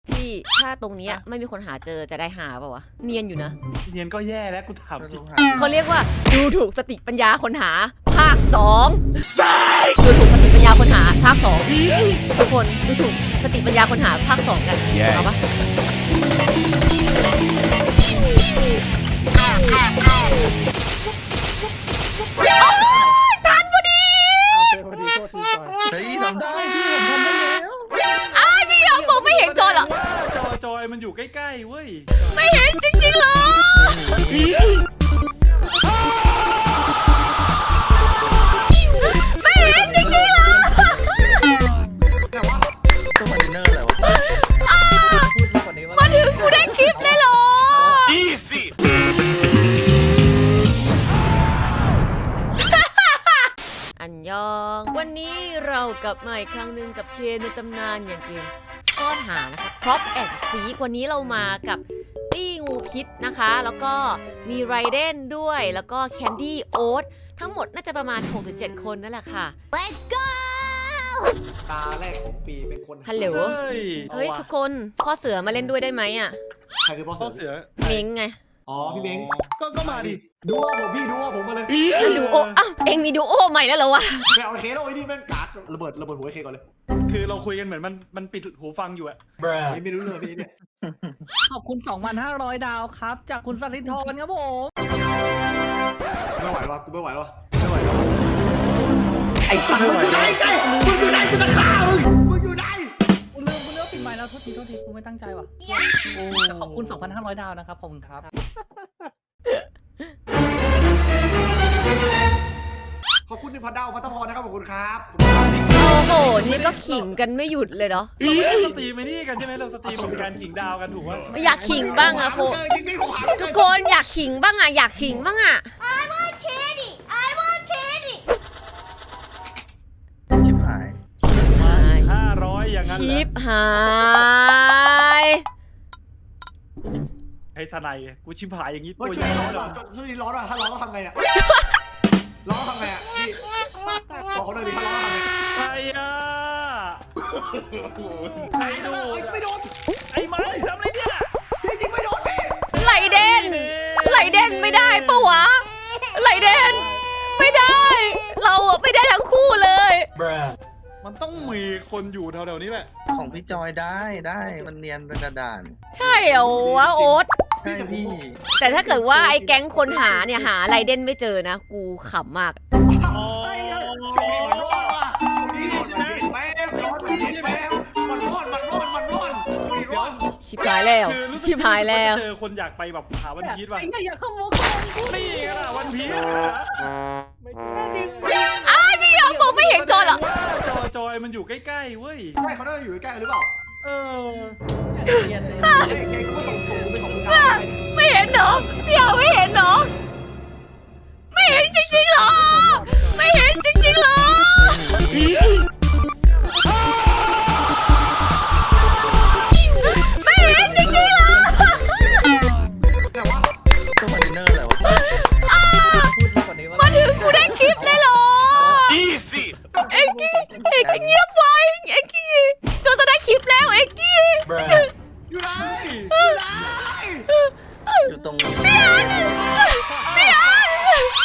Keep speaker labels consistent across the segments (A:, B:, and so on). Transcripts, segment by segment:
A: ที่ถ้าตรงนี้ไม่มีคนหาเจอจะได้หาเปล่าวะเนียนอยู่นะ
B: เนียนก็แย่แล้วกูถามจริง
A: เขาเรียกว่าดูถูกสติปัญญาคนหาภาค2ดูถูกสติปัญญาคนหาภาค2ทุกคนดูถูกสติปัญญาคนหาภาค2กันเอาปะทันพอดี
C: เฮ้ยทำได้พี่ผมทำได้แล้ว
A: พี่ยอมบอกไม่เห็นจอยเหรอ
B: จอยมันอยู่ใกล้ๆเว้ย
A: ไม่เห็นจริงๆเหรอไม่เห็นจริงๆเหรอ
C: แต่ว่าตัวคอนเทนเนอร์อะไรวะ
A: มาถึงกูได้คลิปเลยเหรอ
D: Easy
A: อันยองวันนี้เรากลับมาอีกครั้งหนึ่งกับเกมในตำนานอย่างเกมซ่อนหานะคะพร็อพแอนด์ซีวันนี้เรามากับตี้งูพิษนะคะแล้วก็มีไรเดนด้วยแล้วก็แคนดี้โอ๊ตทั้งหมดน่าจะประมาณ 6-7 คนนั่นแหละค่ะ Let's go
E: ตาแรกของปีเป็นคน
A: ฮัลโหลเฮ้ยทุกคนพ่อเสือมาเล่นด้วยได้ไหมอ่ะ
E: ใครคือพ่อเสือ
A: เม้งไง
E: อ๋อพี่เม้ง
B: ก็มาดิ
E: ดูโอผมพี่ดูโอผมมาเลย
A: ดูโออ้าวเอ็งมีดูโอใหม่แล้วเหรอวะ
E: ไปเอาเคสเอาไอ้นี่แม่งกากระเบิดหัวไอ้เคก่อนเลย
B: คือเราคุยกันเหมือนมันปิดหูฟังอยู่อะ
E: ไม่รู้เลยพี่เนี่ย
F: ขอบคุณ 2,500 ดาวครับจากคุณสันติธรครับผม
E: ไม่ไหววะกูไม่ไหวแล้วไอ้สัตว์มึงอยู่ไหนมึงอยู่ไหนกูจะฆ่ามึงอยู่ไหน
F: กูลืมปิดไมค์แล้วโทษทีกูไม่ตั้งใจว่ะแต่ขอบคุณ 2,500 ดาวนะครับขอบคุณครับ
E: ขอบคุณ1,000 ดาวพัตพรนะครับขอบคุณครับ
A: โอ้โหนี่ก็ขิงกันไม่หยุดเลยเนาะ
B: เราไม่ได้สตรีมไม่นี่กันใช่ไหมเราสตรีมเป็นการขิงดาวกันถูกไหม
A: อยากขิงบ้างอะโคทุกคนอยากขิงบ้างอะอยากขิงบ้างอะ
C: ชิบหาย
B: 500อย่างนั้น
A: ชิปหาย
B: ให้ทนายกูชิบหายอย่างนี้
E: ตัวช่วยร้อนหน่อยช่วยร้อนหน่อยถ้าร้อนก็ทำไงเนี่ยร้อนทำไงอ่ะพี่บอกเขาหน่อยดิถ้าร้อนทำไง
B: ใครอ่ะ
E: ไอ้ตัวไม่โดน
B: ไอ้ไม้ทำอะไรเนี่ย
E: พี่จริงไม่โดนพี่
A: ไหลเด่นไม่ได้ปะวะไหลเด่นไม่ได้เราอะไม่ได้ทั้งคู่เลย
B: มันต้องมีคนอยู่แถวๆนี้แหละ
C: ของพี่จอยได้มันเนียนเป็นกระดาน
A: ใช่เหรอวะโอ๊ต
C: ใช่พี่
A: แต่ถ้าเกิดว่าไอ้แก๊งคนหาเนี่ยหาไรเด่นไม่เจอนะกูขำมาก
E: ช่วงนี้มันร้อนว่ะช่วงนี้ร้อนแม่ร้อนพี่แม่มันร้อนช่วงนี้ร้อน
A: ชิบหายแล้ว
B: เจอคนอยากไปแบบหาวันพีชว่ะ
F: อยากขโมย
B: นี่กันล่ะวันพีช
A: พี่ยอมบอกไม่เห็นจอยเหรอ
B: จอยมันอยู่ใกล้ๆเว้ย
E: ใช่เขาน่าจะอยู่ใกล้ๆหรือเปล่า
A: ไม่เห็นเหรอพี่ยอมไม่เห็นเหรอไม่เห็นจริงๆเหรอไม่เห็นจริงๆเหรอไม่เห็นจริงๆเหรอ
C: แต่ว่าตัวคอนเทนเนอร์อะไรวะ
A: มาถึงกูได้คลิปเลยเหรอ
D: Easy
A: เอ็กกี้เงียบไว้เอ็กกี้จะได้คลิปแล้วเอ็กกี้
E: อยู่ไหน
C: อยู่ตรง
A: พี่อัน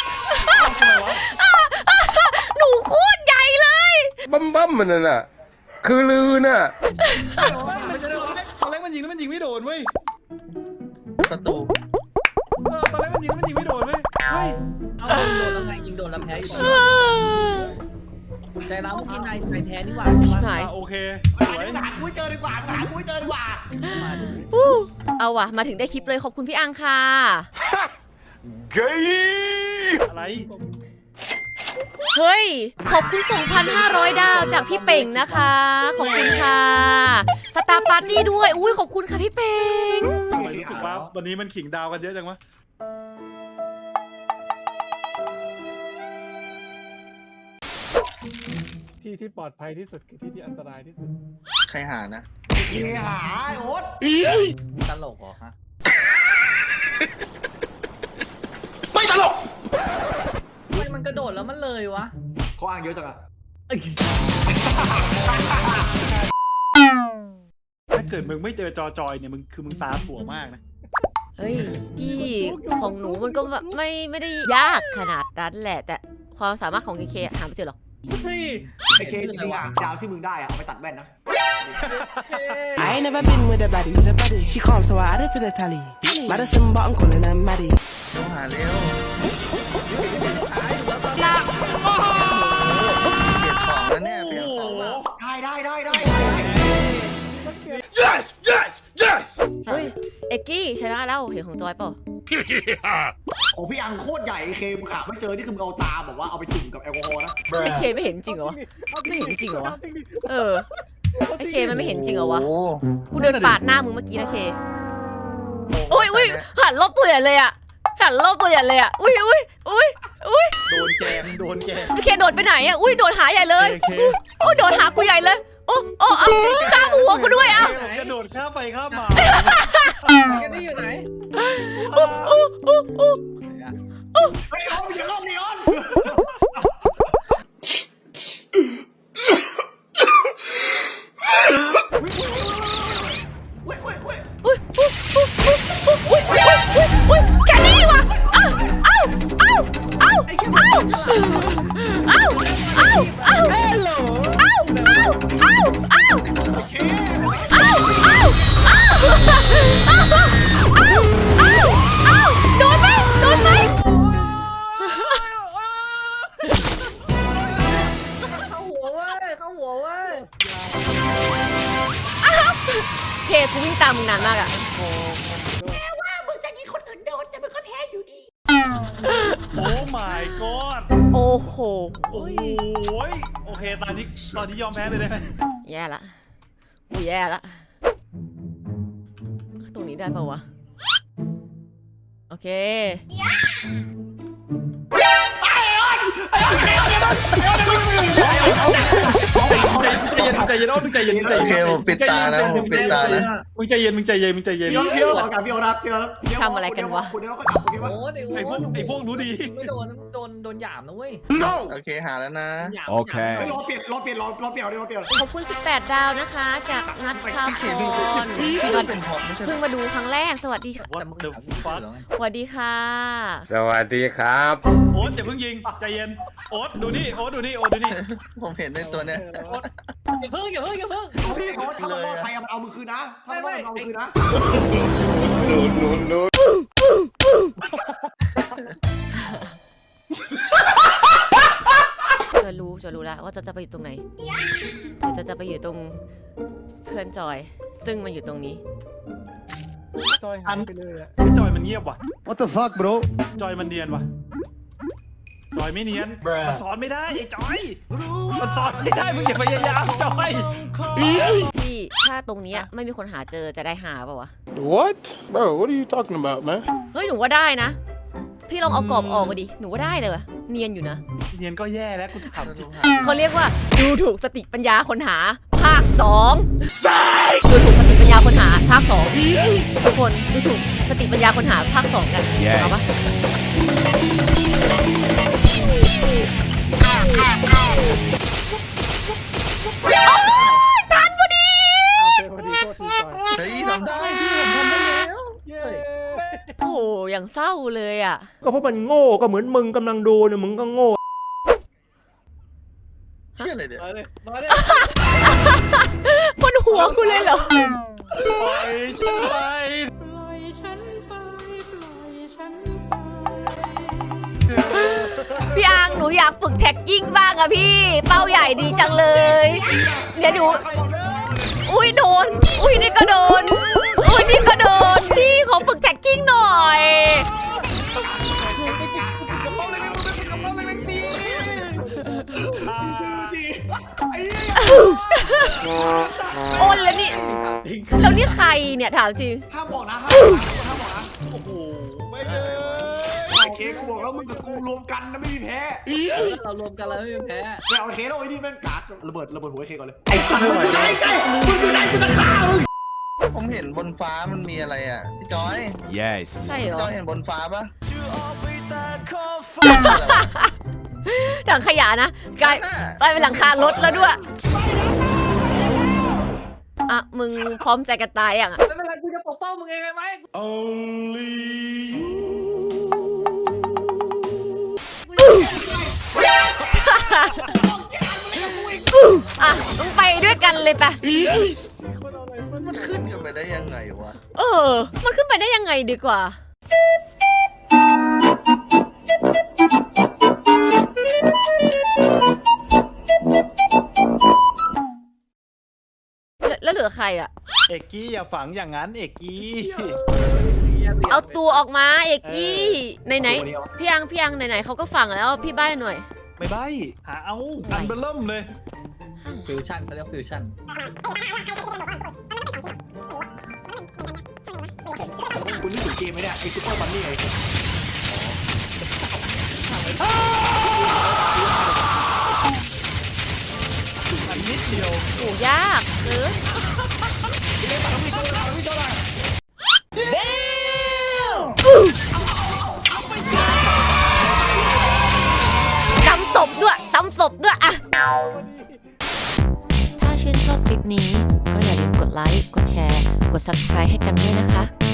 A: หนูโคตรใหญ่เลย
G: บั้มมันน่ะคือลือน่ะ
B: ตอนแรกมันยิงแล้วมันยิงไม่โดนเว้ย
C: ประตู
B: ตอนแรกมันยิงแล้วมันยิงไม่โดนเว้ย
F: เอาโดนแล้วไงยิงโดนแล้วแพ้อยู่ใจร้าวเมื่อกี้นายแพ้นี่หว่าใช่ไหม
B: โอเค
E: หาปุ้ยเจอดีกว่า
A: เอาว่ะมาถึงได้คลิปเลยขอบคุณพี่อังค่ะ
D: เกย์
B: อะไร
A: เฮ้ยขอบคุณ 2,500 ดาวจากพี่เป่งนะคะขอบคุณค่ะสตาร์ปาร์ตี้ด้วยอุ้ยขอบคุณค่ะพี่เป่ง
B: รู้สึกว่าวันนี้มันขิงดาวกันเยอะจังวะ
H: ที่ปลอดภัยที่สุดคือที่อันตรายที่สุด
C: ใครหานะ
E: หาโอ๊ต
F: ตลกเหรอฮะ
D: ไม่ตลก
F: ทำไมมันกระโดดแล้วมันเลยวะ
E: เขาอ้างเยอะจังอะ
B: ถ้าเกิดมึงไม่เจอจอยเนี่ยมึงตาถั่วมากนะ
A: เฮ้ยพี่ของหนูมันก็แบบไม่ได้ยากขนาดนั้นแหละ แต่ความสามารถของเคหาไม่เจอหรอก
E: ไอเคจริงๆอะดาวที่มึงได้อะเอาไปตัดแว่นนะ
I: I ain't never been with a body, She calm, so I added to the tally. Madison bottom calling her Maddie.
C: ต้องหาเร็วเปลี่ยนของแล้วเนี่ยเปลี่ยนของแล้ว
E: ได้
D: Yes, yes, yes.
A: เฮ้ยเอ็กกี้ชนะแล้วเห็นของจอยเปล่า
E: ของพี่อังโคตรใหญ่ไอเคมึงหาไม่เจอนี่คือมึงเอาตาแบบว่าเอาไปจุ่มกับแอลกอฮอล์นะ
A: ไอเคไม่เห็นจริงเหรอวะไม่เห็นจริงเหรอวะเออไอเคมันไม่เห็นจริงเหรอวะ
C: โอ้
A: กูเดินปาดหน้ามึงเมื่อกี้นะเคอุ้ยหันรอบตัวใหญ่เลยอะหันรอบตัวใหญ่เลยอะอุ้ย
B: โดนแกง
A: เคโดดไปไหนอะอุ้ยโดดหาใหญ่เลยโอ้โดดหากูใหญ่เลยโอ้เอาข้ามหัวกูด้วยอะ
B: กระโดดข้ามไปข้ามมา
F: แกนี่อยู่ไหน
E: เฮ้ยเอาอย่าลอกนีออน
A: อุ้ยแกนี่วะโดนไหม
F: เข้าหัวเว้ย
A: เคกูวิ่งตามมึงนานมากอะ
B: โอ้ my god
A: โอ้โห
B: โอ้ยโอเคตอนนี้ยอมแพ้เลยได้ไหม
A: แย่ละกูแย่ละตรงนี้ได้ปะวะโอเค
B: ใจเย็นมึงใจเย็น
C: โอเคผมปิดตาแล้วผมปิดตาแล้ว
B: มึงใจเย็น
E: พี่เอากับพี่เอารับคุณเดี๋ยวเราค่อยกลับโอเคปะ
F: โอ้
B: ไอพวกรู้ดี
F: ไม่โดนหยามนะเว้ย
D: No.
C: โอเคหาแล้วนะ
D: โอเค
E: รอเปลี่ยน
A: ขอบคุณ18 ดาวนะคะ จากนัทพาพรที่มาเพิ่งมาดูครั้งแรกสวัสดีค่ะ
B: What the fuck
A: สวัสดีค่ะ
G: สวัสดีครับ
B: โอ๊ตอย่าเพิ่งยิงใจเย็นโอ๊ตดูนี่
C: ผมเห็นในตัวเนี้ย
F: อย่าเพิ่ง
E: พี่เขาถ้ามันรอดไปมันเอามือคืนนะถ้ามันรอดมันเอามือคืนนะ
A: จะรู้แล้วว่าจะไปอยู่ตรงไหนจะไปอยู่ตรงเพื่อนจอย ซึ่งมันอยู่ตรงนี้
H: จอยหายไปเลยอะ
B: จอยมันเงียบว่ะ
D: What the fuck, bro?
B: จอยมันเนียนว่ะจอยไม่เนียนมันสอนไม่ได้ไอ้จอยมันสอนไม่ได้มึงอย่าพยายามจอย
A: ที่ถ้าตรงเนี้ยไม่มีคนหาเจอจะได้หาเปล่าวะ
G: What bro what are you talking about man
A: เฮ้ยหนูว่าได้นะพี่ลองเอากรอบออกมาดิหนูว่าได้เลยวะเนียนอยู่นะ
B: เนียนก็แย่แล้วกูถามจริง
A: เขาเรียกว่าดูถูกสติปัญญาคนหาภาค2ดูถูกสติปัญญาคนหาภาค2ทุกคนดูถูกสติปัญญาคนหาภาค2กันเอาปะทันพอดี
H: เจอพอดีโทษทีจอย
C: เฮ้ยทำได้พี่ผมทำได้แล้ว
H: เย้
A: โอ้โหอย่างเศร้าเลยอ่ะ
J: ก็เพราะมันโง่ก็เหมือนมึงกำลังดูเนี่ยมึงก็โง่
C: เชื่ออะไรเนี่ย
F: มาเลย
A: บนหัวกูเลยเหรอ
B: ปล่อยฉันไป
A: พี่อังหนูอยากฝึกแท็กกิ้งบ้างอะพี่เป้าใหญ่ดีจังเลยเดี๋ยวหนูอุ้ยโดนอุ้ยนี่ก็โดนอุ้ยนี่ก็โดนพี่ขอฝึกแท็กกิ้งหน่อยโอนแล้วนี่แล้วนี่ใครเนี่ยถามจริง
E: ห้ามบอกนะ
B: โอ้โหไม่เลย
E: ไอเคกูบอกแล้วมึงกับกูรวมกันนะไม่มีแพ้
F: เรารวมกันแล้วไม่มีแพ้
E: ไม่เอาไอเคแล้วไอ้นี่แม่งกากระเบิดหัวไอเคก่อนเลยไอสัตว์มึงอยู่ไหนมึงอยู่ไหนกูจะฆ่ามึง
C: ผมเห็นบนฟ้ามันมีอะไรอ่ะพี่จอย
D: Yes.
A: ใช่เหร
C: พี่
A: อ
C: จอยเห็นบนฟ้าปะ
A: ถังขยะนะกลายเป็นหลังคารถแล้วด้วยอ่ะมึงพร้อมใจกันตายยังอ่ะ
F: ไม่เป็นไรกูจะปกป้องมึงเองไงไหม
A: อ่ะมึงไปด้วยกันเลยปะ
C: มันขึ้นกันไปได้ยังไงวะ
A: มันขึ้นไปได้ยังไงดีกว่า แล้วเหลือใครอ่ะ
B: เอกกี้อย่าฝังอย่างนั้นเอกกี้
A: เอาตัวออกมาเอกกี้ไหนๆพี่ยังไหนๆเขาก็ฝังแล้วพี่ใบ้หน่อย
B: ไม่ใบหาเอาอันเบลเริ่มเลย
F: ฟิวชั่นเขาเรียกฟิวชั่น
E: คุณนี่ถึงเกมไหมเนี่ยไอ้ซุปเปอร์บันนี่ไง
B: อันนิดเดียว
A: โอ้ยากหรือซ้ำศพด้วยอะถ้าชื่นชอบคลิปนี้ก็อย่าลืมกดไลค์ กดแชร์ กด subscribe ให้กันด้วยนะคะ